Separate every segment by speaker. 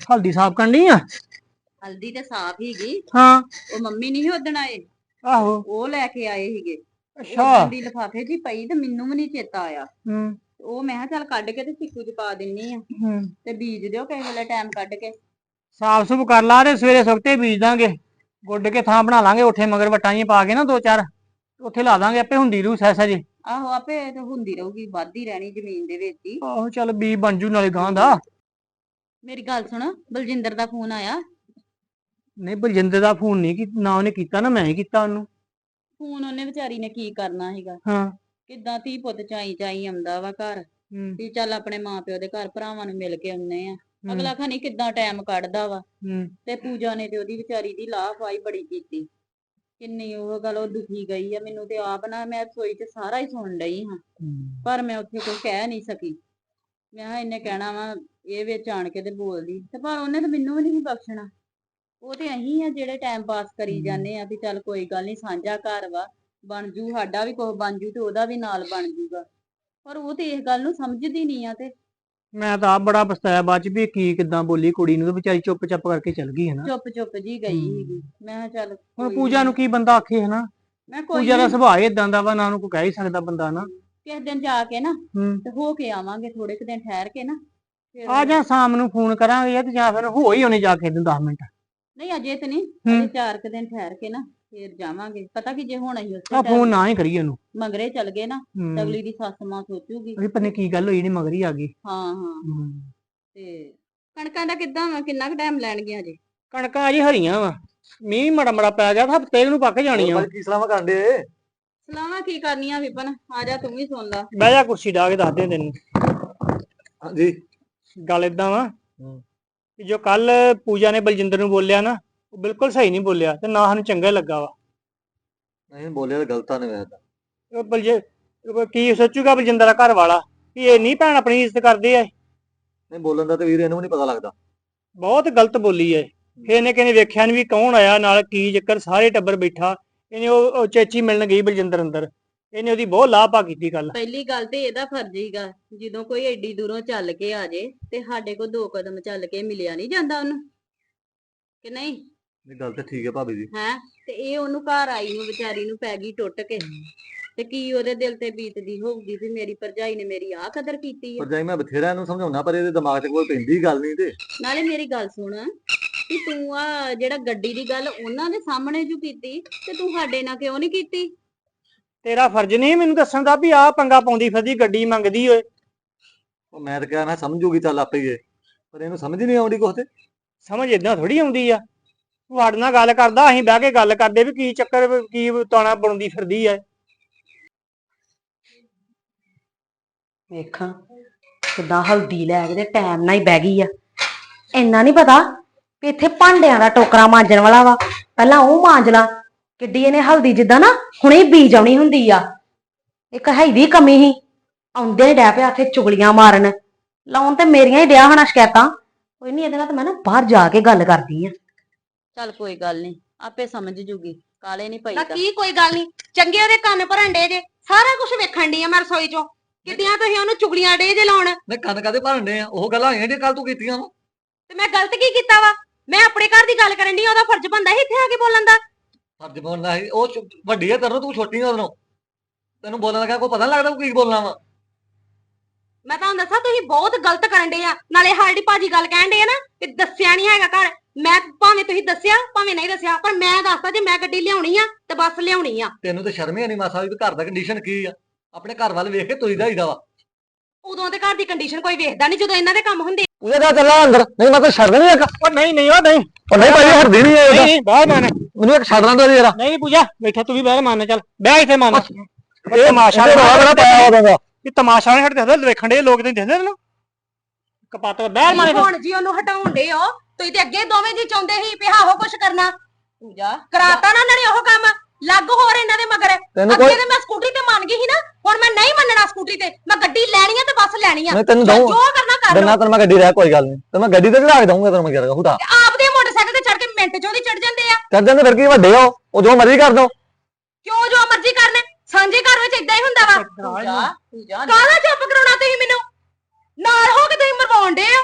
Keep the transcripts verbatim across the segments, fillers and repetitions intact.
Speaker 1: हल्दी साफ करनी आ।
Speaker 2: हल्दी ते साफ हीगी।
Speaker 1: हाँ
Speaker 2: ਉਹ ਮੰਮੀ ਨਹੀਂ ਉਦਣ ਆਏ,
Speaker 1: आहो
Speaker 2: ਉਹ ਲੈ ਕੇ ਆਏ ਸੀਗੇ।
Speaker 1: अच्छा
Speaker 2: ਉਦਣ ਦੀ ਲਿਫਾਫੇ 'ਚ ਹੀ ਪਈ ਤੇ ਮੈਨੂੰ ਵੀ ਨਹੀਂ ਚੇਤਾ ਆਇਆ।
Speaker 1: हम्म
Speaker 2: ਉਹ ਮੈਂ ਕਿਹਾ ਚੱਲ ਕੱਢ ਕੇ ਤੇ ਸਿੱਕੂ 'ਚ ਪਾ ਦਿੰਨੀ ਆ
Speaker 1: हम्म
Speaker 2: ਤੇ ਬੀਜ ਦਿਓ ਕਿਸੇ ਵੇਲੇ ਟਾਈਮ ਕੱਢ ਕੇ।
Speaker 1: साफ सुफ कर ला ते सवेरे सवते बीज दांगे, गुड के थां बना लांगे उठे मगर वट्टां जिहियां पा के ना दो चार ਉੱਥੇ ਲਾ ਦਾਂਗੇ ਆਪੇ ਹੁੰਦੀ ਰੂ ਸਹਿ ਸਹਿ।
Speaker 2: ਆਹੋ ਆਪੇ ਤੇ ਹੁੰਦੀ ਰਹੂਗੀ, ਵੱਧਦੀ ਰਹਿਣੀ ਜ਼ਮੀਨ ਦੇ ਵਿੱਚ ਹੀ।
Speaker 1: ਆਹੋ ਚੱਲ ਬੀ ਬਣ ਜੂ ਨਾਲੇ ਗਾਂ ਦਾ।
Speaker 2: ਮੇਰੀ ਗੱਲ ਸੁਣ, ਬਲਜਿੰਦਰ ਦਾ ਫੋਨ ਆਇਆ?
Speaker 1: ਨਹੀਂ ਬਲਜਿੰਦਰ ਦਾ ਫੋਨ ਨਹੀਂ ਕੀਤਾ ਨਾ, ਉਹਨੇ ਕੀਤਾ ਨਾ ਮੈਂ ਹੀ ਕੀਤਾ ਉਹਨੂੰ
Speaker 2: ਫੋਨ। ਉਹਨੇ ਵਿਚਾਰੀ ਨੇ ਕੀ ਕਰਨਾ ਸੀਗਾ।
Speaker 1: ਹਾਂ
Speaker 2: ਕਿੱਦਾਂ ਧੀ ਪੁੱਤ ਚਾਈ ਚਾਈ ਆਉਂਦਾ ਵਾ ਘਰ ਵੀ ਚੱਲ ਆਪਣੇ ਮਾਂ ਪਿਓ ਦੇ ਘਰ ਭਰਾਵਾਂ ਨੂੰ ਮਿਲ ਕੇ ਆਉਨੇ ਆ। ਅਗਲਾ ਖਾਨੀ ਕਿੱਦਾਂ ਟਾਈਮ ਕੱਢਦਾ ਵਾ। ਤੇ ਪੂਜਾ ਨੇ ਤੇ ਉਹਦੀ ਵਿਚਾਰੀ ਦੀ ਲਾਹਫਾਈ ਬੜੀ ਕੀਤੀ। ਕਿੰਨੀ ਉਹ ਗੱਲ ਉਹ ਦੁਖੀ ਗਈ ਆ। ਮੈਨੂੰ ਤੇ ਆਪ ਨਾ, ਮੈਂ ਰਸੋਈ 'ਚ ਸਾਰਾ ਹੀ ਸੁਣ ਲਈ ਹਾਂ ਪਰ ਮੈਂ ਉੱਥੇ ਕੋਈ ਕਹਿ ਨਹੀਂ ਸਕੀ। ਮੈਂ ਕਿਹਾ ਇਹਨੇ ਕਹਿਣਾ ਵਾ ਇਹ ਵਿੱਚ ਆਣ ਕੇ ਤੇ ਬੋਲਦੀ, ਤੇ ਪਰ ਉਹਨੇ ਤਾਂ ਮੈਨੂੰ ਵੀ ਨਹੀਂ ਬਖਸ਼ਣਾ। ਉਹ ਤੇ ਅਸੀਂ ਆ ਜਿਹੜੇ ਟਾਈਮ ਪਾਸ ਕਰੀ ਜਾਂਦੇ ਆ ਵੀ ਚੱਲ ਕੋਈ ਗੱਲ ਨਹੀਂ, ਸਾਂਝਾ ਘਰ ਵਾ, ਬਣ ਜੂ ਸਾਡਾ ਵੀ ਕੁਝ ਬਣ ਜੂ ਤੇ ਉਹਦਾ ਵੀ ਨਾਲ ਬਣ ਜੂਗਾ। ਪਰ ਉਹ ਤੇ ਇਸ ਗੱਲ ਨੂੰ ਸਮਝਦੀ ਨਹੀਂ ਆ। ਤੇ
Speaker 1: ਮੈਂ ਤਾਂ ਆਪ ਬੜਾ ਪਛਤਾਇਆ ਬਾਅਦ ਚ ਵੀ ਕੀ ਕਿਦਾਂ ਬੋਲੀ ਕੁੜੀ ਨੂੰ, ਤੇ ਵਿਚਾਰੀ ਚੁੱਪ ਚਾਪ ਕਰਕੇ ਚਲ ਗਈ ਹੈ ਨਾ।
Speaker 2: ਚੁੱਪ ਚੁੱਪ ਜੀ ਗਈ ਸੀਗੀ। ਮੈਂ ਕਿਹਾ ਚੱਲ
Speaker 1: ਹੁਣ ਪੂਜਾ ਨੂੰ ਕੀ ਬੰਦਾ ਆਖੇ ਹੈ ਨਾ।
Speaker 2: ਮੈਂ ਕੋਈ
Speaker 1: ਪੂਜਾ ਦਾ ਸੁਭਾਅ ਇਦਾਂ ਦਾ ਵਾ, ਨਾ ਉਹਨੂੰ ਕੋਈ ਕਹਿ ਹੀ ਸਕਦਾ ਬੰਦਾ ਨਾ।
Speaker 2: ਕਿਸੇ ਦਿਨ ਜਾ ਕੇ ਨਾ
Speaker 1: ਹੂੰ
Speaker 2: ਤੇ ਹੋ ਕੇ ਆਵਾਂਗੇ, ਥੋੜੇ ਕੁ ਦਿਨ ਠਹਿਰ ਕੇ ਨਾ ਫਿਰ।
Speaker 1: ਆ ਜਾ ਸ਼ਾਮ ਨੂੰ ਫੋਨ ਕਰਾਂਗੇ ਤੇ ਜਾਂ ਫਿਰ ਹੋ ਹੀ ਉਹਨੇ ਜਾ ਕੇ ਦਸ ਮਿੰਟ।
Speaker 2: ਨਹੀਂ ਅਜੇ ਤੇ ਨਹੀਂ, ਅਜੇ ਚਾਰ ਕੁ ਦਿਨ ਠਹਿਰ ਕੇ ਨਾ ਫਿਰ ਜਾਵਾਂਗੇ। ਪਤਾ ਕੀ ਜੇ ਹੁਣ ਅਸੀਂ
Speaker 1: ਆ ਫੋਨ ਨਾ ਹੀ ਕਰੀਏ ਉਹਨੂੰ,
Speaker 2: ਮਗਰੇ ਚੱਲ ਗਏ ਨਾ ਤਾਂ ਅਗਲੀ ਦੀ ਸੱਸ ਮਾਂ ਸੋਚੂਗੀ
Speaker 1: ਵੀ ਪਤਾ ਕੀ ਗੱਲ ਹੋਈ, ਨਹੀਂ ਮਗਰ ਹੀ ਆ ਗਈ।
Speaker 2: ਹਾਂ ਹਾਂ। ਤੇ ਕਣਕਾਂ ਦਾ ਕਿੱਦਾਂ ਵਾ, ਕਿੰਨਾ ਕੁ ਟਾਈਮ ਲੈਣਗੀਆਂ ਜੀ?
Speaker 1: ਕਣਕਾਂ ਅਜੇ ਹਰੀਆਂ ਵਾ, ਮੀਂਹ ਮੜਾ ਮੜਾ ਪੈ ਗਿਆ, ਹਫ਼ਤੇ ਨੂੰ ਪੱਕ ਜਾਣੀਆਂ।
Speaker 3: ਕੀ ਸਲਾਹਾਂ ਕਰਨ ਦੇ?
Speaker 2: ਸਲਾਹਾਂ ਕੀ ਕਰਨੀਆਂ ਵਿਪਨ, ਆ ਜਾ ਤੂੰ ਵੀ ਸੁਣ ਲਾ।
Speaker 1: ਬਹਿ ਜਾ ਕੁਰਸੀ ਢਾ ਕੇ ਦੱਸ ਦੇ ਤੈਨੂੰ।
Speaker 3: ਹਾਂਜੀ
Speaker 1: ਗੱਲ ਏਦਾਂ ਵਾ ਕਿ ਜੋ ਕੱਲ ਪੂਜਾ ਨੇ ਬਲਜਿੰਦਰ ਨੂੰ ਬੋਲਿਆ ਨਾ, ਉਹ ਬਿਲਕੁਲ ਸਹੀ ਨਹੀਂ ਬੋਲਿਆ ਤੇ ਨਾ ਸਾਨੂੰ ਚੰਗਾ ਲੱਗਾ ਵਾ।
Speaker 3: ਨਹੀਂ ਬੋਲਿਆ ਤਾਂ ਗਲਤਾਂ ਨੇ ਵੈਸੇ।
Speaker 1: ਉਹ ਬਲਜੇ ਕੀ ਸੋਚੂਗਾ ਬਲਜਿੰਦਰ ਦਾ ਘਰ ਵਾਲਾ ਵੀ ਇਹ ਨਹੀਂ ਭੈਣ ਆਪਣੀ ਇੱਜ਼ਤ ਕਰਦੇ ਆ।
Speaker 3: ਨਹੀਂ ਬੋਲਣ ਦਾ ਤੇ ਵੀਰ ਇਹਨੂੰ ਵੀ ਨਹੀਂ ਪਤਾ ਲੱਗਦਾ।
Speaker 1: ਬਹੁਤ ਗਲਤ ਬੋਲੀ ਹੈ। ਫਿਰ ਇਹਨੇ ਕਹਿੰਦੇ ਵੇਖਿਆ ਨੀ ਵੀ ਕੌਣ ਆਇਆ ਨਾਲ, ਕੀ ਚੱਕਰ, ਸਾਰੇ ਟੱਬਰ ਬੈਠਾ। ਇਹਨੇ ਉਹ ਚੇਚੀ ਮਿਲਣ ਗਈ ਬਲਜਿੰਦਰ ਅੰਦਰ, ਇਹਨੇ ਉਹਦੀ ਬਹੁਤ ਲਾਪਾ ਕੀਤੀ ਗੱਲ।
Speaker 2: ਪਹਿਲੀ ਗੱਲ ਤੇ ਇਹਦਾ ਫਰਜ਼ ਹੀਗਾ, ਜਦੋਂ ਕੋਈ ਏਡੀ ਦੂਰੋਂ ਚੱਲ ਕੇ ਆ ਜੇ ਤੇ ਸਾਡੇ ਕੋਲ ਦੋ ਕਦਮ ਚੱਲ ਕੇ ਮਿਲਿਆ ਨਹੀਂ ਜਾਂਦਾ ਉਹਨੂੰ, ਕਿ ਨਹੀਂ?
Speaker 3: ਇਹ ਗੱਲ ਤੇ ਠੀਕ ਹੈ ਭਾਬੀ ਜੀ।
Speaker 2: ਹੈ ਤੇ ਇਹ ਉਹਨੂੰ ਘਰ ਆਈ ਨੂੰ ਵਿਚਾਰੀ ਨੂੰ ਪੈ ਗਈ ਟੁੱਟ ਕੇ, ਤੇ ਕੀ ਉਹਦੇ ਦਿਲ ਤੇ ਬੀਤਦੀ ਹੋਊਗੀ ਵੀ ਮੇਰੀ ਭਰਜਾਈ ਨੇ ਮੇਰੀ ਆਹ ਕਦਰ ਕੀਤੀ ਹੈ।
Speaker 3: ਭਰਜਾਈ ਮੈਂ ਬਥੇਰਾ ਇਹਨੂੰ ਸਮਝਾਉਣਾ ਪਰ ਇਹਦੇ ਦਿਮਾਗ ਤੇ ਕੋਈ ਪੈਂਦੀ ਗੱਲ ਨਹੀਂ। ਤੇ
Speaker 2: ਨਾਲੇ ਮੇਰੀ ਗੱਲ ਸੁਣ ਕਿ ਤੂੰ ਆ ਜਿਹੜਾ ਗੱਡੀ ਦੀ ਗੱਲ ਉਹਨਾਂ ਦੇ ਸਾਹਮਣੇ ਜੂ ਕੀਤੀ ਤੇ ਤੂੰ ਸਾਡੇ ਨਾਲ ਕਿਉਂ ਨਹੀਂ ਕੀਤੀ?
Speaker 1: ਤੇਰਾ ਫਰਜ਼ ਨਹੀਂ ਮੈਨੂੰ ਦੱਸਣ ਦਾ ਵੀ ਆਹ ਪੰਗਾ ਪਾਉਂਦੀ ਫਿਰਦੀ, ਗੱਡੀ ਮੰਗਦੀ ਓਏ।
Speaker 3: ਉਹ ਮੈਂ ਤਾਂ ਕਿਹਾ ਨਾ ਸਮਝੂਗੀ ਚੱਲ ਆਪੇ ਹੀ, ਪਰ ਇਹਨੂੰ ਸਮਝ ਨਹੀਂ ਆਉਂਦੀ ਕੁਛ। ਤੇ
Speaker 1: ਸਮਝ ਏਦਾਂ ਥੋੜੀ ਆਉਂਦੀ ਆ। ਤੂੰ ਸਾਡੇ ਨਾਲ ਗੱਲ ਕਰਦਾ, ਅਸੀਂ ਬਹਿ ਕੇ ਗੱਲ ਕਰਦੇ ਵੀ ਕੀ ਚੱਕਰ, ਕੀ ਤਾਣਾ ਬਣਦੀ ਫਿਰਦੀ ਐ।
Speaker 4: ਵੇਖਾਂ ਕਿੱਦਾਂ ਹਲਦੀ ਲੈ ਕੇ ਤੇ ਟਾਈਮ ਨਾਲ ਹੀ ਬਹਿ ਗਈ ਆ। ਇੰਨਾ ਨਹੀਂ ਪਤਾ ਵੀ ਇੱਥੇ ਭਾਂਡਿਆਂ ਦਾ ਟੋਕਰਾ ਮਾਂਜਣ ਵਾਲਾ ਵਾ, ਪਹਿਲਾਂ ਉਹ ਮਾਂਜ ਲਾ। ਕਿੱਡੀ ਇਹਨੇ ਹਲਦੀ ਜਿੱਦਾਂ ਨਾ ਹੁਣੇ ਬੀਜ ਆਉਣੀ ਹੁੰਦੀ ਆ। ਇੱਕ ਹੈਦੀ ਕਮੀ ਹੀ, ਆਉਂਦੇ ਡੈ ਪਿਆ ਇੱਥੇ ਚੁਗਲੀਆਂ ਮਾਰਨ, ਲਾਉਣ ਤੇ ਮੇਰੀਆਂ ਹੀ ਡਿਆ ਹੋਣਾ ਸ਼ਿਕਾਇਤਾਂ। ਕੋਈ ਨਹੀਂ, ਇਹਦੇ ਨਾਲ ਤਾਂ ਮੈਂ ਨਾ ਬਾਹਰ ਜਾ ਕੇ ਗੱਲ ਕਰਦੀ ਆ।
Speaker 2: ਚੱਲ ਕੋਈ ਗੱਲ ਨਹੀਂ, ਆਪੇ ਸਮਝ ਜੂਗੀ, ਕਾਲੇ ਨਹੀਂ ਪਈ
Speaker 4: ਨਾ ਕੀ ਕੋਈ ਗੱਲ ਨਹੀਂ, ਚੰਗੇ ਉਹਦੇ ਕੰਨ ਭਰਨ ਡੇ ਜੇ, ਸਾਰਾ ਕੁਝ ਵੇਖਣ ਡਈ ਆ ਮੈਂ ਰਸੋਈ ਚੋਂ। ਕਿੱਡੀਆਂ ਤੁਸੀਂ ਉਹਨੂੰ ਚੁਗਲੀਆਂ ਡੇ ਜੇ ਲਾਉਣ।
Speaker 3: ਮੈਂ ਕੰਨ ਕਾਦੇ ਭਰਨ ਡੇ ਆ? ਉਹ ਗੱਲਾਂ ਹੋਈਆਂ ਜਿਹੜੀਆਂ ਕੱਲ ਤੂੰ ਕੀਤੀਆਂ ਵਾ।
Speaker 4: ਤੇ ਮੈਂ ਗਲਤ ਕੀ ਕੀਤਾ ਵਾ? ਮੈਂ ਆਪਣੇ ਘਰ ਦੀ ਗੱਲ ਕਰਨ ਡਈ, ਉਹਦਾ ਫਰਜ਼ ਬਣਦਾ ਸੀ ਇੱਥੇ ਆ ਕੇ ਬੋਲਣ ਦਾ।
Speaker 3: ਫਰਜ਼ ਬੋਲਣਾ ਸੀ, ਉਹ ਛੋ- ਵੱਡੀ ਹੈ ਤੈਨੂੰ, ਤੂੰ ਛੋਟੀ ਆ ਉਹਨੂੰ। ਤੈਨੂੰ ਬੋਲਣ ਲੱਗਾ ਕੋਈ ਪਤਾ ਨੀ ਲੱਗਦਾ ਤੂੰ ਕੀ ਬੋਲਣਾ ਵਾ।
Speaker 4: ਮੈਂ ਤੁਹਾਨੂੰ ਦੱਸਾਂ ਤੁਸੀਂ ਬਹੁਤ ਗਲਤ ਕਰਨ ਡੇ ਆ। ਨਾਲੇ ਸਾਡੀ ਭਾਜੀ ਗੱਲ ਕਹਿਣ ਡੇ ਆ ਨਾ ਕਿ ਦੱਸਿਆ ਨਹੀਂ ਹੈਗਾ ਘਰ। ਮੈਂ ਭਾਵੇਂ ਤੁਸੀਂ ਦੱਸਿਆ ਭਾਵੇਂ ਨਹੀਂ ਦੱਸਿਆ, ਪਰ ਮੈਂ ਦੱਸਦਾ ਜੇ ਮੈਂ ਗੱਡੀ ਲਿਆਉਣੀ ਆ ਤੇ ਬੱਸ ਲਿਆਉਣੀ ਆ।
Speaker 3: ਤੈਨੂੰ ਤੇ ਸ਼ਰਮ ਹੀ ਨਹੀਂ ਮਾਸਾ ਵੀ ਘਰ ਦਾ ਕੰਡੀਸ਼ਨ ਕੀ ਆ। ਆਪਣੇ ਘਰ ਵੱਲ ਵੇਖ ਕੇ ਤੁਰੀਦਾ ਹੀਦਾ ਵਾ।
Speaker 4: ਉਦੋਂ ਤੇ ਘਰ ਦੀ ਕੰਡੀਸ਼ਨ ਕੋਈ ਵੇਖਦਾ ਨਹੀਂ ਜਦੋਂ ਇਹਨਾਂ ਦੇ ਕੰਮ ਹੁੰਦੇ।
Speaker 3: ਉਹਦੇ ਦਾ ਚੱਲਾ ਅੰਦਰ, ਨਹੀਂ ਮੈਂ ਕੋਈ ਛੱਡ ਨਹੀਂ ਇੱਕ।
Speaker 1: ਉਹ ਨਹੀਂ ਨਹੀਂ ਉਹ ਨਹੀਂ
Speaker 3: ਉਹ ਨਹੀਂ ਭਾਈ ਹਰਦੀ ਨਹੀਂ ਹੈ
Speaker 1: ਨਹੀਂ ਬਾਹਰ ਮੰਨ।
Speaker 3: ਮੈਨੂੰ ਇੱਕ ਛੱਡ ਲੈਂਦਾ ਜਰਾ।
Speaker 1: ਨਹੀਂ ਪੂਜਾ ਬੈਠਾ, ਤੂੰ ਵੀ ਬਾਹਰ ਮੰਨ, ਚੱਲ ਬਹਿ ਇੱਥੇ ਮੰਨ।
Speaker 3: ਇਹ
Speaker 1: ਤਮਾਸ਼ਾ
Speaker 3: ਬੜਾ ਪਾਇਆ ਉਹਦਾ
Speaker 1: ਕਿ ਤਮਾਸ਼ਾ ਨਹੀਂ ਹਟਦੇ, ਵੇਖਣ ਦੇ ਲੋਕ ਨਹੀਂ ਦਿਖਦੇ ਤੈਨੂੰ। ਕਪਾਤ ਬਾਹਰ ਮੰਨ।
Speaker 4: ਹੁਣ ਜੀ ਉਹਨੂੰ ਹਟਾਉਣ ਡੇ ਹੋ ਤੁਸੀਂ, ਤੇ ਅੱਗੇ ਦੋਵੇਂ ਜੀ ਚਾਹੁੰਦੇ ਸੀ ਵੀ ਆਹੋ ਕੁਛ ਕਰਨਾ।
Speaker 2: ਪੂਜਾ
Speaker 4: ਕਰਾਤਾ ਨਾ ਉਹਨਾਂ ਨੇ ਉਹ ਕੰਮ, ਲੱਗ ਹੋਰ ਇਹਨਾਂ ਦੇ ਮਗਰ। ਅੱਗੇ ਤੇ ਮੈਂ ਸਕੂਟਰੀ ਤੇ ਮੰਨ ਗਈ ਸੀ ਨਾ, ਹੁਣ ਮੈਂ ਨਹੀਂ ਮੰਨਣਾ ਸਕੂਟਰੀ ਤੇ। ਮੈਂ ਗੱਡੀ ਲੈਣੀ ਆ ਤੇ ਬੱਸ ਲੈਣੀ ਆ।
Speaker 3: ਮੈਂ ਤੈਨੂੰ ਦਊਂ
Speaker 4: ਜੋ ਕਰਨਾ ਕਰ ਲਓ।
Speaker 3: ਦਿਨਾਂ ਤੈਨੂੰ ਮੈਂ ਗੱਡੀ ਰਹਿ ਕੋਈ ਗੱਲ ਨਹੀਂ, ਤੇ ਮੈਂ ਗੱਡੀ ਤੇ ਚੜਾ ਕੇ ਦਊਂਗਾ ਤੈਨੂੰ। ਮੈਂ ਕਿਹਾ ਹੁਦਾ
Speaker 4: ਆਪਦੇ ਮੋਟਰਸਾਈਕਲ ਤੇ ਚੜ ਕੇ ਮਿੰਟ ਚੋਂ ਦੀ ਚੜ ਜਾਂਦੇ ਆ।
Speaker 3: ਚੱਲ ਜਾਂਦੇ ਫਿਰ ਕੀ ਵੱਡੇ ਹੋ, ਉਹ ਜੋ ਮਰਜ਼ੀ ਕਰ ਦੋ।
Speaker 4: ਕਿਉਂ ਜੋ ਮਰਜ਼ੀ ਕਰਨਾ, ਸਾਂਝੇ ਘਰ ਵਿੱਚ ਇਦਾਂ ਹੀ ਹੁੰਦਾ ਵਾ।
Speaker 2: ਪੂਜਾ ਪੂਜਾ
Speaker 4: ਕਾਹਦਾ ਚੁੱਪ ਕਰਾਉਣਾ ਤੁਸੀਂ ਮੈਨੂੰ? ਨਾਲ ਹੋ ਕੇ ਤੁਸੀਂ ਮਰਵਾਉਣ ਡੇ ਹੋ।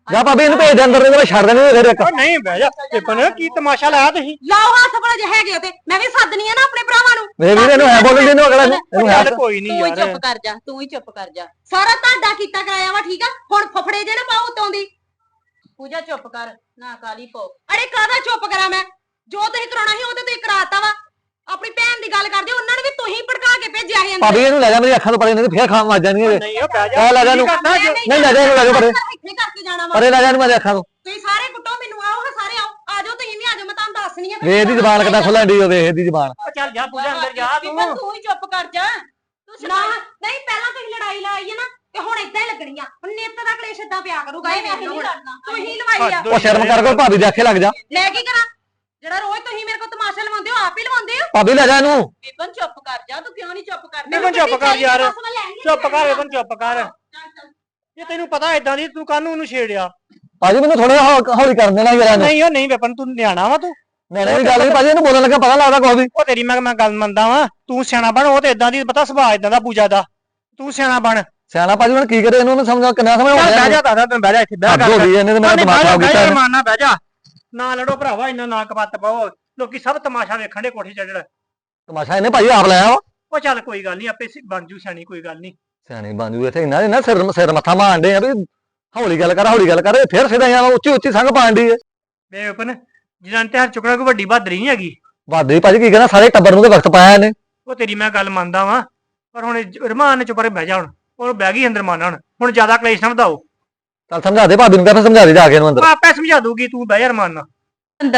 Speaker 3: ਜਾ ਭਾਬੀ ਇਹਨੂੰ ਭੇਜ ਦੇ ਅੰਦਰ ਇਹਨੂੰ ਮੈਂ ਛੱਡ ਦੇਣੀ ਫਿਰ ਇੱਕ
Speaker 1: ਓ ਨਹੀਂ ਬਹਿ ਜਾ ਵਿਪਨ ਕੀ ਤਮਾਸ਼ਾ ਲਾਇਆ ਤੁਸੀਂ
Speaker 4: ਲਾਓ ਹੱਥ ਬੜਾ ਜੇ ਹੈਗੇ ਤੇ ਮੈਂ ਵੀ ਸੱਦਣੀ ਆ ਨਾ ਆਪਣੇ ਭਰਾਵਾਂ ਨੂੰ
Speaker 3: ਮੇਰੇ ਵੀਰ ਇਹਨੂੰ ਹੈ ਬੋਲਣ ਦੇ ਇਹਨੂੰ ਅਗਲਾ ਨੂੰ ਇਹਨੂੰ ਹੈ
Speaker 1: ਚੱਲ ਕੋਈ ਨਹੀਂ
Speaker 2: ਤੂੰ ਹੀ
Speaker 1: ਯਾਰ
Speaker 2: ਚੁੱਪ ਕਰ ਜਾ ਤੂੰ ਹੀ ਚੁੱਪ ਕਰ ਜਾ
Speaker 4: ਸਾਰਾ ਤੁਹਾਡਾ ਕੀਤਾ ਕਰਾਇਆ ਵਾ ਠੀਕ ਆ ਹੁਣ ਫਫੜੇ ਜੇ ਨਾ ਪਾਉ ਉਤੋਂ ਦੀ
Speaker 2: ਪੂਜਾ ਚੁੱਪ ਕਰ ਨਾ ਕਾਲੀ ਪੋ
Speaker 4: ਅਰੇ ਕਾਹਦਾ ਚੁੱਪ ਕਰਾਂ ਮੈਂ ਜੋ ਤੁਸੀਂ ਕਰਾਉਣਾ ਸੀ ਉਹ ਤੇ ਤੁਸੀਂ ਕਰਾਤਾ ਵਾ ਆਪਣੀ ਭੈਣ ਦੀ ਗੱਲ ਕਰਦੇ ਉਹਨਾਂ ਨੂੰ ਵੀ ਤੁਸੀਂ ਭੜਕਾ ਕੇ ਭੇਜਿਆ ਸੀ ਅੰਦਰ
Speaker 3: ਭਾਬੀ ਇਹਨੂੰ ਲੈ ਜਾ ਮੇਰੀ ਅੱਖਾਂ ਤੋਂ ਪਰੇ ਨਹੀਂ ਫੇਰ ਖਾਣ ਵੱਜ ਜਾਣਗੇ
Speaker 1: ਨਹੀਂ ਉਹ ਬਹਿ
Speaker 3: ਆ ਲੈ ਜਾ
Speaker 1: ਕੀ
Speaker 3: ਇਹਨੂੰ
Speaker 1: ਕਰਨਾ ਜੇ?
Speaker 3: ਨਹੀਂ ਲੈ ਜਾ ਇਹਨੂੰ ਲੈ ਜਾ ਪਰੇ
Speaker 4: ਇੱਥੇ ਕਰਕੇ ਜਾਣਾ ਵਾ
Speaker 3: ਪਰੇ ਲੈ ਜਾ ਇਹਨੂੰ ਮੇਰੇ ਅੱਖਾਂ ਤੋਂ
Speaker 4: ਤੁਸੀਂ ਸਾਰੇ ਕੁੱਟੋ ਮੈਨੂੰ ਆਓ ਹਾਂ ਸਾਰੇ ਆਓ ਆ ਜਾਓ ਤੁਸੀਂ ਵੀ ਆ ਜਾਓ ਮੈਂ ਤੁਹਾਨੂੰ ਦੱਸਣੀ ਆ
Speaker 3: ਵੇਖ ਦੀ ਜ਼ਬਾਨ ਕਿੱਦਾਂ ਖੁੱਲਣ ਦੀ ਉਹ ਵੇਖ ਦੀ ਜ਼ਬਾਨ
Speaker 1: ਓ ਚੱਲ ਜਾ ਪੂਜਾ ਅੰਦਰ ਜਾ ਤੂੰ
Speaker 2: ਵਿਪਨ ਤੂੰ ਹੀ ਚੁੱਪ ਕਰ ਜਾ ਤੂੰ
Speaker 4: ਨਾ
Speaker 2: ਸ਼ਰਾਬ
Speaker 4: ਨਹੀਂ ਪਹਿਲਾਂ ਤੁਸੀਂ ਲੜਾਈ ਲਾਈ ਹੈ ਨਾ ਤੇ ਹੁਣ ਇਦਾਂ ਹੀ ਲੱਗਣੀ ਆ ਹੁਣ ਨਿੱਤ ਦਾ ਕਲੇਸ਼ ਏਦਾਂ ਪਿਆ ਕਰੂਗਾ ਇਹ
Speaker 2: ਨਹੀਂ
Speaker 4: ਵੇਖ ਲਓ
Speaker 2: ਨਹੀਂ
Speaker 4: ਹੁਣ
Speaker 2: ਲੜਨਾ
Speaker 4: ਤੁਸੀਂ ਲਵਾਈ ਆ
Speaker 3: ਉਹ ਸ਼ਰਮ ਕਰ ਕੋਈ ਭਾਬੀ ਦੇ ਅੱਖੇ ਲੱਗ ਜਾ
Speaker 4: ਮੈਂ ਕੀ ਕਰਾਂ ਜਿਹੜਾ ਰੋਜ਼ ਤੁਸੀਂ ਮੇਰੇ ਕੋਲ ਤਮਾਸ਼ਾ ਲਵਾਉਂਦੇ ਹੋ ਆਪ ਹੀ ਲਵਾਉਂਦੇ ਹੋ
Speaker 3: ਭਾਬੀ ਲੈ ਜਾ ਇਹਨੂੰ
Speaker 2: ਵਿਪਨ ਚੁੱਪ ਕਰ ਜਾ ਤੂੰ ਕਿਉਂ ਨਹੀਂ ਚੁੱਪ ਕਰਦਾ
Speaker 1: ਵਿਪਨ ਚੁੱਪ ਕਰ ਯਾਰ
Speaker 4: ਬਸ ਮੈਂ ਲੈਣੀ ਆ
Speaker 1: ਚੁੱਪ ਕਰ ਵਿਪਨ ਚੁੱਪ ਕਰ
Speaker 2: ਚੱਲ ਚੱਲ
Speaker 1: ਜੇ ਤੈਨੂੰ ਪਤਾ ਇਦਾਂ ਦੀ ਤੂੰ ਕਾਹਨੂੰ ਉਹਨੂੰ ਛੇੜਿਆ
Speaker 3: ਭਾਜੀ ਮੈਨੂੰ ਥੋੜਾ ਹੌਲੀ ਕਰਨ ਦੇਣਾ ਯਾਰ ਇਹਨੂੰ
Speaker 1: ਨਹੀਂ ਉਹ ਨਹੀਂ ਵਿਪਨ ਤੂੰ ਨਿਆਣਾ ਵਾ ਤੂੰ
Speaker 3: ਮੈਨੇ ਵੀ ਗੱਲ ਨਹੀਂ ਭਾਜੀ ਇਹਨੂੰ ਬੋਲਣ ਲੱਗਾ ਪਤਾ ਲੱਗਦਾ ਕੋਈ ਵੀ
Speaker 1: ਉਹ ਤੇਰੀ ਮੈਂ ਮੈਂ ਗੱਲ ਮੰਨਦਾ ਵਾਂ ਤੂੰ ਸਿਆਣਾ ਬਣ ਉਹ ਤੇ ਇਦਾਂ ਦੀ ਪਤਾ ਸੁਭਾਅ ਇਦਾਂ ਦਾ ਪੂਜਾ ਦਾ ਤੂੰ ਸਿਆਣਾ ਬਣ
Speaker 3: ਸਿਆਣਾ ਭਾਜੀ ਹੁਣ ਕੀ ਕਰੇ ਇਹਨੂੰ ਉਹਨੂੰ ਸਮਝਾ ਕਿੰਨਾ ਸਮਝ
Speaker 1: ਚੱਲ ਬਹਿ
Speaker 3: ਆਉਂਦਾ
Speaker 1: ਜਾ ਦਾਦਾ ਤੈਨੂੰ ਬਹਿ ਜਾ ਇੱਥੇ ਬਹਿ
Speaker 3: ਹੱਦ ਹੋ ਗਈ ਇਹਨੇ ਤੇ ਮੇਰਾ ਦਿਮਾਗ ਖਰਾਬ ਕੀਤਾ ਇਹਨੇ।
Speaker 1: ਮਾਰਨਾ ਬਹਿ ਜਾ ਨਾ ਲੜੋ ਭਰਾਵਾ ਇੰਨਾ ਨਾ ਕਪੱਤ ਪਾਓ ਲੋਕੀ ਸਭ ਤਮਾਸ਼ਾ ਵੇਖਣ ਦੇ ਕੋਠੇ ਚੜ੍ਹੜ
Speaker 3: ਤਮਾਸ਼ਾ ਇਹਨੇ ਭਾਜੀ ਆਪ ਲਾਇਆ ਵਾ
Speaker 1: ਉਹ ਚੱਲ ਕੋਈ ਗੱਲ ਨਹੀਂ ਆਪੇ ਸਿ- ਬਣ ਜੂ ਸਿਆਣੀ ਕੋਈ ਗੱਲ ਨਹੀਂ
Speaker 3: ਸਿਆਣੀ ਬਾਂਜੂ ਇੱਥੇ ਇਹਨਾਂ ਦੇ ਨਾ ਸਿਰ ਸਿਰ ਮੱਥਾ ਮਾਰਦੇ ਆ ਵੀ ਹੌਲੀ ਗੱਲ ਕਰ ਹੌਲੀ ਗੱਲ ਕਰ ਇਹ ਫਿਰ ਸਿੱਧਾ ਆ ਉੱਚੀ ਉੱਚੀ ਸੰਗ ਪਾਣ ਦੀ ਹੈ
Speaker 1: ਬੇ ਵਿਪਨ ਜਿਨਾਂ ਤੇ ਹਰ ਚੁੱਕਣਾ ਕੋਈ ਵੱਡੀ ਬਹਾਦਰੀ ਨਹੀਂ ਹੈਗੀ
Speaker 3: ਵਾਦੇ ਭਾਜੀ ਕੀ ਕਹਿੰਦਾ ਸਾਰੇ ਟੱਬਰ ਨੂੰ ਤੇ ਵਕਤ ਪਾਇਆ ਇਹਨੇ
Speaker 1: ਉਹ ਤੇਰੀ ਮੈਂ ਗੱਲ ਮੰਨਦਾ ਵਾਂ ਪਰ ਹੁਣ ਜ- ਰਮਾਨ ਨੇ ਚੁੱਪ ਰਹੇ ਬਹਿ ਜਾ ਹੁਣ ਉਹ ਬਹਿ ਗਈ ਅੰਦਰ ਮਾਨਾ ਹੁਣ ਹੁਣ ਜ਼ਿਆਦਾ ਕਲੇਸ਼ ਨਾ ਵਧਾਓ
Speaker 3: ਚੱਲ ਸਮਝਾ ਦੇ ਭਾਬੀ ਨੂੰ ਕਹਿੰਦਾ ਸਮਝਾ ਦੇ ਜਾ ਕੇ ਇਹਨੂੰ ਅੰਦਰ
Speaker 1: ਉਹ ਆਪੇ ਸਮਝਾ ਦੂਗੀ ਤੂੰ ਬਹਿ ਜਾ ਰਮਾਨ ਨਾਲ
Speaker 4: ਅੰਦਰ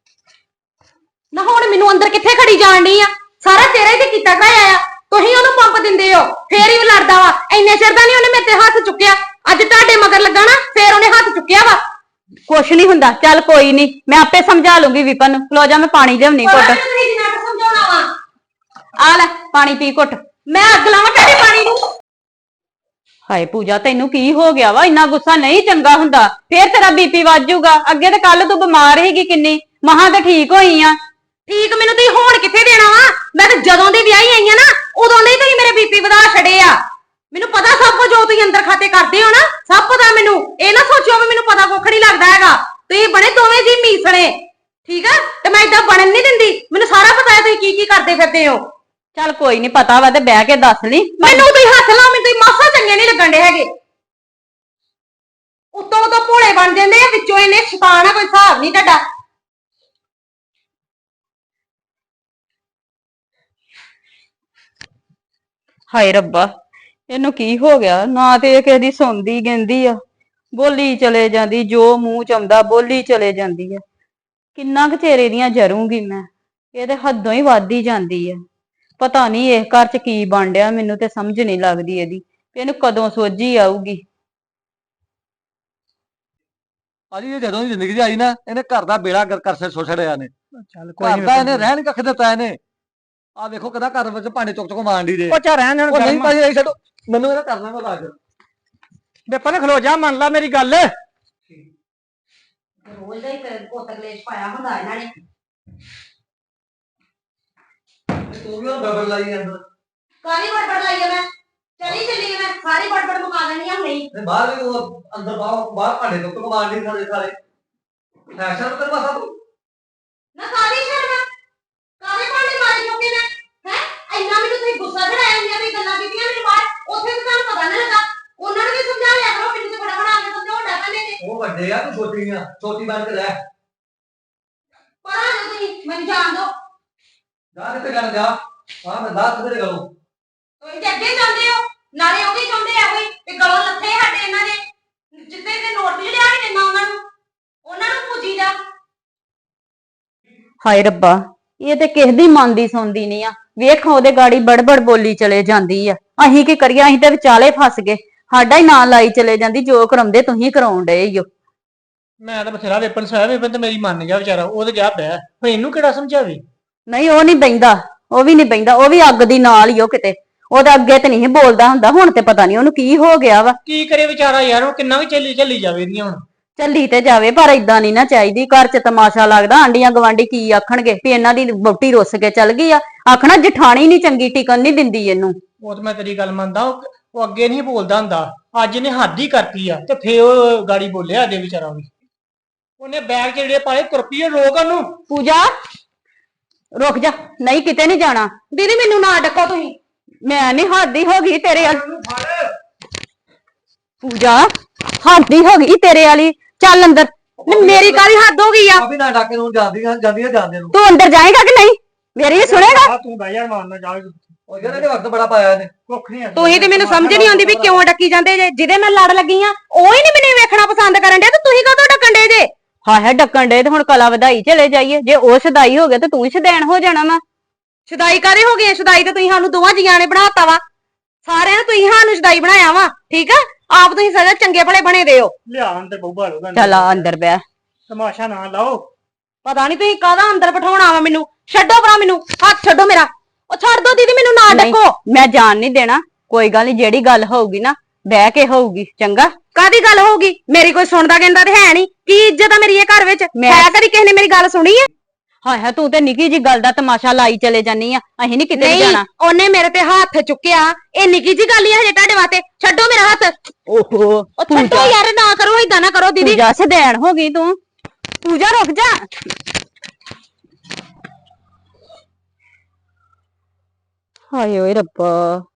Speaker 4: ਨਾ ਹੁਣ ਮੈਨੂੰ ਅੰਦਰ ਕਿੱਥੇ ਖੜੀ ਜਾਣ ਡਈ ਆ ਸਾਰਾ ਤੇਰਾ ਹੀ ਤੇ ਕੀਤਾ ਕਰਾਇਆ ਆ ਤੁਸੀਂ ਉਹਨੂੰ ਪੰਪ ਦਿੰਦੇ ਹੋ ਫੇਰ ਹੀ ਉਹ ਲੜਦਾ ਵਾ ਇੰਨੇ ਚਿਰ ਦਾ ਨਹੀਂ ਉਹਨੇ ਮੇਰੇ ਤੇ ਹੱਥ ਚੁੱਕਿਆ ਅੱਜ ਤੁਹਾਡੇ ਮਗਰ ਲੱਗਾ ਨਾ ਫੇਰ ਉਹਨੇ ਹੱਥ ਚੁੱਕਿਆ ਵਾ
Speaker 2: ਕੁਛ ਨਹੀਂ ਹੁੰਦਾ ਚੱਲ ਕੋਈ ਨਹੀਂ ਮੈਂ ਆਪੇ ਸਮਝਾ ਲੂੰਗੀ ਵਿਪਨ ਨੂੰ ਖਲੋ ਜਾ ਮੈਂ ਪਾਣੀ ਲਿਆਉਣੀ
Speaker 4: ਪਤਾ
Speaker 2: ਘੁੱਟ
Speaker 4: ਨੀ ਤੁਸੀਂ ਜਿੰਨਾ ਕੁ ਸਮਝਾਉਣਾ ਵਾ
Speaker 2: ਆ ਲੈ ਪਾਣੀ ਪੀ ਘੁੱਟ
Speaker 4: ਮੈਂ ਅੱਗ ਲਾਵਾਂ ਤੁਹਾਡੇ ਪਾਣੀ ਨੂੰ
Speaker 2: ਹਾਏ ਪੂਜਾ ਤੈਨੂੰ ਕੀ ਹੋ ਗਿਆ ਵਾ ਇੰਨਾ ਗੁੱਸਾ ਨਹੀਂ ਚੰਗਾ ਹੁੰਦਾ ਫੇਰ ਤੇਰਾ ਬੀਪੀ ਵੱਧ ਜਾਊਗਾ ਅੱਗੇ ਤੇ ਕੱਲ ਤੂੰ ਬਿਮਾਰ ਸੀਗੀ ਕਿੰਨੀ ਮਹਾਂ ਤੇ ਠੀਕ ਹੋਈ ਆ
Speaker 4: ਠੀਕ ਮੈਨੂੰ ਤੁਸੀਂ ਹੋਣ ਕਿੱਥੇ ਦੇਣਾ ਵਾ ਮੈਂ ਤਾਂ ਜਦੋਂ ਦੀ ਵਿਆਹੀ ਆਈ ਆ ਨਾ ਉਦੋਂ ਦੇ ਹੀ ਤੁਸੀਂ ਮੇਰੇ ਬੀਪੀ ਵਧਾ ਛੜੇ ਆ ਮੈਨੂੰ ਪਤਾ ਸਭ ਕੁਝ ਜੋ ਤੁਸੀਂ ਅੰਦਰ ਖਾਤੇ ਕਰਦੇ ਹੋ ਨਾ ਸਭ ਪਤਾ ਮੈਨੂੰ ਇਹ ਨਾ ਸੋਚਿਓ ਵੀ ਮੈਨੂੰ ਪਤਾ ਕੁੱਖ ਨਹੀਂ ਲੱਗਦਾ ਹੈਗਾ ਤੁਸੀਂ ਬਣੇ ਦੋਵੇਂ ਜੀ ਮੀਸਣੇ ਠੀਕ ਆ ਤੇ ਮੈਂ ਇਦਾਂ ਬਣਨ ਨਹੀਂ ਦਿੰਦੀ ਮੈਨੂੰ ਸਾਰਾ ਪਤਾ ਹੈ ਤੁਸੀਂ ਕੀ ਕੀ ਕਰਦੇ ਫਿਰਦੇ ਹੋ
Speaker 2: ਚੱਲ ਕੋਈ ਨਹੀਂ ਪਤਾ ਵਾ ਤੇ ਬਹਿ ਕੇ ਦੱਸ ਲਈ
Speaker 4: ਮੈਨੂੰ ਤੁਸੀਂ ਹੱਥ ਲਾਓ ਮੈਨੂੰ ਤੁਸੀਂ ਮਾਸਾ ਚੰਗੇ ਨਹੀਂ ਲੱਗਣ ਦੇ ਹੈਗੇ ਉੱਤੋਂ ਤੋਂ ਭੋਲੇ ਬਣ ਜਾਂਦੇ ਆ ਵਿੱਚੋਂ ਇਹਨੇ ਸ਼ੈਤਾਨ ਆ ਕੋਈ ਹਿਸਾਬ ਨਹੀਂ ਤੁਹਾਡਾ
Speaker 2: ਹਾਏ ਰੱਬਾ ਇਹਨੂੰ ਕੀ ਹੋ ਗਿਆ ਨਾ ਤੇ ਇਹ ਕਿਸੇ ਦੀ ਸੁਣਦੀ ਗਿੰਦੀ ਆ ਬੋਲੀ ਚਲੇ ਜਾਂਦੀ ਜੋ ਮੂੰਹ ਚ ਆਉਂਦਾ ਬੋਲੀ ਚਲੇ ਜਾਂਦੀ ਆ ਕਿੰਨਾ ਕੁ ਚਿਰ ਇਹਦੀਆਂ ਜਰੂੰਗੀ ਮੈਂ ਇਹ ਤੇ ਹੱਦੋਂ ਹੀ ਵੱਧਦੀ ਜਾਂਦੀ ਆ ਪਤਾ ਨਹੀਂ ਇਹ ਘਰ ਚ ਕੀ ਬਣ ਡਿਆ ਮੈਨੂੰ ਤੇ ਸਮਝ ਨਹੀਂ ਲੱਗਦੀ ਇਹਦੀ ਵੀ ਇਹਨੂੰ ਕਦੋਂ ਸੋਝੀ ਆਊਗੀ
Speaker 3: ਭਾਜੀ ਇਹ ਜਦੋਂ ਦੀ ਜ਼ਿੰਦਗੀ 'ਚ ਆਈ ਨਾ ਇਹਨੇ ਘਰ ਦਾ ਬੇੜਾ ਗਰ ਕਰ ਸੇ ਛੋੜਿਆ ਨੇ
Speaker 1: ਚੱਲ
Speaker 3: ਘਰ ਦਾ ਇਹਨੇ ਰਹਿਣ ਕੱਖ ਦਿੱਤਾ ਇਹਨੇ ਆ ਵੇਖੋ ਕਿਦਾਂ ਘਰ ਵਿੱਚ ਭਾਂਡੇ ਚੁੱਕ ਚੁੱਕ ਮਾਰਦੀ ਦੇ
Speaker 1: ਉਹ ਚਾ ਰਹਿਣ ਦੇਣ
Speaker 3: ਉਹ ਨਹੀਂ
Speaker 1: ਗਰਮ।
Speaker 3: ਭਾਜੀ ਇਹ ਛੱਡੋ ਮੈਨੂੰ ਇਹਦਾ ਕਰਨਾ ਕੋ ਲਾਜ
Speaker 1: ਵਿਪਨ ਖਲੋ ਜਾ ਮੰਨ ਲਾ ਮੇਰੀ ਗੱਲ
Speaker 4: ਰੋਜ਼ ਦਾ ਹੀ ਕੋਤਕਲੇਸ਼ ਪਾਇਆ ਹੁੰਦਾ ਇਹਨਾਂ ਨੇ
Speaker 3: ਤੂੰ ਵੀ ਉਹ ਬਬਲ ਲਾਈ ਅੰਦਰ
Speaker 4: ਕਾਹਦੀ ਬੜਬੜ ਲਾਈ ਆ ਮੈਂ ਚਲੀ ਚੱਲੀ ਆ ਮੈਂ ਸਾਰੀ ਬੜਬੜ ਮੁਕਾ ਦੇਣੀ ਆ ਨਹੀਂ
Speaker 3: ਤੇ ਬਾਹਰ ਵੀ ਉਹ ਅੰਦਰ ਬਾਹਰ ਬਾਹਰ ਭਾਂਡੇ ਚੁੱਕ ਚੁੱਕ ਮਾਰਦੀ ਸਾਰੇ ਸਾਰੇ ਫੈਸ਼ਨ ਤੇ ਬਸ
Speaker 4: ਨਾ ਕਾਹਦੀ ਸ਼ਰਮ ਕਾਹਦੇ ਭਾਂਡੇ ਮਾਰੀ ਚੁੱਕੇ ਨੇ ਹੈ ਇੰਨਾ ਮੈਨੂੰ ਤੁਸੀਂ ਗੁੱਸਾ ਚੜਾਇਆ ਇੰਨੀਆਂ ਵੀ ਗੱਲਾਂ ਕੀਤੀਆਂ ਮੇਰੇ ਬਾਹਰ ਉੱਥੇ ਤਾਂ ਤੁਹਾਨੂੰ ਪਤਾ ਨਾ ਲੱਗਾ ਉਹਨਾਂ ਨੂੰ ਵੀ ਸਮਝਾ ਲਿਆ ਕਰੋ ਮੈਨੂੰ ਤੇ ਬੜਾ ਬੜਾ ਆ ਕੇ ਸਮਝਾਉਣ ਲੱਗ ਪੈਂਦੇ ਨੇ
Speaker 3: ਉਹ ਵੱਡੇ ਆ ਤੂੰ ਛੋਟੀ ਆ ਛੋਟੀ ਬਣ ਕੇ ਰਹਿ
Speaker 4: ਪਰ ਆ ਜਾਓ ਤੁਸੀਂ ਮੈਨੂੰ ਜਾਣ ਦਿਓ
Speaker 3: ਜਾ ਕਿੱਥੇ ਕਰਨ ਜਾ ਆ ਮੈਂ ਦਾਤ ਤੇਰੇ ਗਲੋਂ
Speaker 4: ਤੁਸੀਂ ਤੇ ਅੱਗੇ ਜਾਂਦੇ ਹੋ ਨਾਲੇ ਉਹ ਵੀ ਚਾਹੁੰਦੇ ਆ ਕੋਈ ਕਿ ਗਲੋਂ ਲੱਥੇ ਸਾਡੇ ਇਹਨਾਂ ਦੇ ਜਿੱਤੇ ਤੇ ਨੋਟ ਵੀ ਲਿਆ ਨਹੀਂ ਦਿੰਦਾ ਉਹਨਾਂ ਨੂੰ ਉਹਨਾਂ ਨੂੰ ਪੂਜੀ ਦਾ
Speaker 2: ਹਾਏ ਰੱਬਾ ਇਹ ਤੇ ਕਿਸ ਦੀ ਮੰਨਦੀ ਸੁਣਦੀ ਨਹੀਂ ਆ ਵੇਖ ਉਹਦੇ ਗਾੜੀ ਬੜਬੜ ਬੋਲੀ ਚਲੇ ਜਾਂਦੀ ਆ ਅਸੀਂ ਕੀ ਕਰੀਏ ਅਸੀਂ ਤੇ ਵਿਚਾਲੇ ਫਸ ਗਏ ਸਾਡਾ ਹੀ ਨਾਂ ਲਾਈ ਚਲੇ ਜਾਂਦੀ ਜੋ ਕਰਾਉਂਦੇ ਤੁਸੀਂ ਕਰਾਉਣ ਡਏ ਈ ਓ
Speaker 1: ਮੈਂ ਤਾਂ ਬਥੇਰਾ ਵਿਪਨ ਸੋਇਆ ਵਿਪਨ ਤੇ ਮੇਰੀ ਮੰਨ ਗਿਆ ਵਿਚਾਰਾ ਉਹ ਤੇ ਜਾ ਪਿਆ ਹੁਣ ਇਹਨੂੰ ਕਿਹੜਾ ਸਮਝਾਵੇ
Speaker 2: ਨਹੀਂ ਉਹ ਨਹੀਂ ਬੈਂਦਾ ਉਹ ਵੀ ਨਹੀਂ ਬੈਂਦਾ ਉਹ ਵੀ ਅੱਗ ਦੀ ਨਾਲ ਹੀ ਉਹ ਕਿਤੇ ਉਹਦਾ ਅੱਗੇ ਤੇ ਨਹੀਂ ਬੋਲਦਾ ਹੁੰਦਾ ਹੁਣ ਤੇ ਪਤਾ ਨਹੀਂ ਉਹਨੂੰ ਕੀ ਹੋ ਗਿਆ ਵਾ
Speaker 1: ਕੀ ਕਰੇ ਵਿਚਾਰਾ ਯਾਰ ਉਹ ਕਿੰਨਾ ਵੀ ਚੱਲੀ ਚੱਲੀ ਜਾਵੇ ਇਹਦੀਆਂ ਹੁਣ
Speaker 2: ਚੱਲੀ ਤੇ ਜਾਵੇ ਪਰ ਇਦਾਂ ਨਹੀਂ ਨਾ ਚਾਹੀਦੀ ਘਰ 'ਚ ਤਮਾਸ਼ਾ ਲੱਗਦਾ ਆਂਡੀਆਂ ਗਵਾਂਢੀ ਕੀ ਆਖਣਗੇ ਵੀ ਇਹਨਾਂ ਦੀ ਵਹੁਟੀ ਰੁੱਸ ਕੇ ਚੱਲ ਗਈ ਆ ਆਖਣਾ ਜਠਾਣੀ ਨਹੀਂ ਚੰਗੀ ਟਿਕਣ ਨਹੀਂ ਦਿੰਦੀ ਇਹਨੂੰ
Speaker 1: ਉਹ ਤੇ ਮੈਂ ਤੇਰੀ ਗੱਲ ਮੰਨਦਾ ਉਹ ਉਹ ਅੱਗੇ ਨਹੀਂ ਬੋਲਦਾ ਹੁੰਦਾ, ਅੱਜ ਇਹਨੇ ਹੱਦ ਹੀ ਕਰਤੀ ਆ ਤੇ ਫੇਰ ਉਹ ਗਾੜੀ ਬੋਲਿਆ ਦੇ ਵਿਚਾਰਾ ਵੀ। ਉਹਨੇ ਬੈਗ ਚ ਜਿਹੜੇ ਪਾਲੇ ਤੁਰਪੀਏ ਰੋਕ ਉਹਨੂੰ।
Speaker 2: ਪੂਜਾ ਰੁਕ ਜਾ, ਨਹੀਂ ਕਿਤੇ ਨਹੀਂ ਜਾਣਾ।
Speaker 4: ਦੀਦੀ ਮੈਨੂੰ ਨਾ ਡੱਕੋ ਤੁਸੀਂ।
Speaker 2: ਮੈਂ ਨਹੀਂ ਹੱਦ ਹੀ ਹੋ ਗਈ ਤੇਰੇ ਵਾਲੀ।
Speaker 1: ਉਹਨੂੰ ਫੜ।
Speaker 2: ਪੂਜਾ ਹੱਦ ਹੀ ਹੋ ਗਈ ਤੇਰੇ ਵਾਲੀ, ਚੱਲ ਅੰਦਰ।
Speaker 4: ਨਹੀਂ, ਮੇਰੀ ਕਾਹਦੀ ਹੱਦ ਹੋ ਗਈ ਆ?
Speaker 3: ਭਾਬੀ ਨਾ ਡਾਕੇ ਨੂੰ ਜਾਂਦੀਆਂ ਜਾਂਦੀਆਂ ਜਾਂਦੇ ਨੂੰ।
Speaker 2: ਤੂੰ ਅੰਦਰ ਜਾਏਗਾ ਕਿ ਨਹੀਂ? ਮੇਰੀ ਵੀ ਸੁਣੇਗਾ?
Speaker 1: ਆ ਤੂੰ ਬਹਿ ਜਾ ਮਾਰਨਾ ਜਾ
Speaker 3: ਉਹ ਯਾਰ ਇਹਨੇ ਵਕਤ ਬੜਾ ਪਾਇਆ ਇਹਨੇ।
Speaker 1: ਕੁੱਖ ਨਹੀਂ
Speaker 4: ਤੁਸੀਂ ਤੇ ਮੈਨੂੰ ਸਮਝ ਨਹੀਂ ਆਉਂਦੀ ਵੀ ਕਿਉਂ ਡੱਕੀ ਜਾਂਦੇ ਜੇ। ਜਿਹਦੇ ਮੈਂ ਲੜ ਲੱਗੀ ਆ ਉਹ ਹੀ ਨਹੀਂ ਮੈਨੂੰ ਵੇਖਣਾ ਪਸੰਦ ਕਰਨ ਡਿਆ ਤੇ ਤੁਸੀਂ ਕਦੋਂ ਡੱਕਣ ਡੇ ਜੇ?
Speaker 2: ਹਾਂ ਹੈ ਡੱਕਣ ਡੇ ਤੇ ਹੁਣ ਕਲਾ ਵਧਾਈ ਚਲੇ ਜਾਈਏ। ਜੇ ਉਹ ਸਦਾਈ ਹੋ ਗਿਆ ਤੇ ਤੂੰ ਹੀ ਸਦੈਣ ਹੋ ਜਾਣਾ ਵਾ।
Speaker 4: ਸ਼ਦਾਈ ਕਾਦੇ ਹੋ ਗਏ? ਸ਼ਦਾਈ ਤੇ ਤੁਸੀਂ ਸਾਨੂੰ ਦੋਵਾਂ ਜੀਆਂ ਨੇ ਬਣਾਤਾ ਵਾ। ਸਾਰਿਆਂ ਨੇ ਤੁਸੀਂ ਸਾਨੂੰ ਸ਼ਦਾਈ ਬਣਾਇਆ ਵਾ, ਠੀਕ ਆ? ਆਪ ਤੁਸੀਂ ਸਦਾ ਚੰਗੇ ਭਲੇ ਬਣੇ ਦੇ ਹੋ।
Speaker 1: ਲਿਆ ਅੰਦਰ ਬਹੂਗਾ ਲੋਗਾ।
Speaker 2: ਚੱਲ ਆ ਅੰਦਰ ਬਹਿ।
Speaker 1: ਤਮਾਸ਼ਾ ਨਾ ਲਾਓ।
Speaker 4: ਪਤਾ ਨਹੀਂ ਤੁਸੀਂ ਕਾਹਦਾ ਅੰਦਰ ਬਿਠਾਉਣਾ ਵਾ ਮੈਨੂੰ। ਛੱਡੋ ਭਰਾ ਮੈਨੂੰ, ਹੱਥ ਛੱਡੋ ਮੇਰਾ। ਉਹ ਛੱਡ ਦੋ ਦੀਦੀ, ਮੈਨੂੰ ਨਾ
Speaker 2: ਨਹੀਂ,
Speaker 4: ਡੱਕੋ।
Speaker 2: ਮੈਂ ਜਾਣ ਨਹੀਂ ਦੇਣਾ। ਕੋਈ ਗੱਲ ਨਹੀਂ, ਜਿਹੜੀ ਗੱਲ ਹੋਊਗੀ ਨਾ ਬਹਿ ਕੇ ਹੋਊਗੀ, ਚੰਗਾ?
Speaker 4: ਕਾਦੀ ਗੱਲ ਹੋਊਗੀ? ਮੇਰੀ ਕੋਈ ਸੁਣਦਾ ਕਹਿੰਦਾ ਤੇ ਹੈ ਨਹੀਂ। ਕੀ ਇੱਜ਼ਤ ਆ ਮੇਰੀ ਇਹ ਘਰ ਵਿੱਚ?
Speaker 2: ਮੈਂ-
Speaker 4: ਹੈ ਕਦੀ ਕਿਸੇ ਨੇ ਮੇਰੀ ਗੱਲ ਸੁਣੀ ਹੈ?
Speaker 2: ਹਾਏ ਹਾਏ ਤੂੰ ਤੇ ਨਿੱਕੀ ਜੀ ਗੱਲ ਦਾ ਤਮਾਸ਼ਾ ਲਾਈ ਚਲੇ ਜਾਨੀ ਆ। ਅਸੀਂ ਨਹੀਂ ਕਿਤੇ ਵੀ
Speaker 4: ਨਹੀਂ,
Speaker 2: ਜਾਣਾ।
Speaker 4: ਉਹਨੇ ਮੇਰੇ ਤੇ ਹੱਥ ਚੁੱਕਿਆ। ਇਹ ਨਿੱਕੀ ਜੀ ਗੱਲ ਹੀ ਆ ਹਜੇ ਤੁਹਾਡੇ ਵਾਸਤੇ। ਛੱਡੋ ਮੇਰਾ ਹੱਥ।
Speaker 2: ਓਹੋ
Speaker 4: ਉਹ ਛੱਡੋ ਯਾਰ, ਨਾ ਕਰੋ ਏਦਾਂ ਨਾ ਕਰੋ ਦੀਦੀ।
Speaker 2: ਪੂਜਾ ਸਦੈਣ ਹੋ ਗਈ ਤੂੰ। ਪੂਜਾ ਰੁਕ ਜਾ। ਹਾਏ ਓਏ ਰੱਬਾ।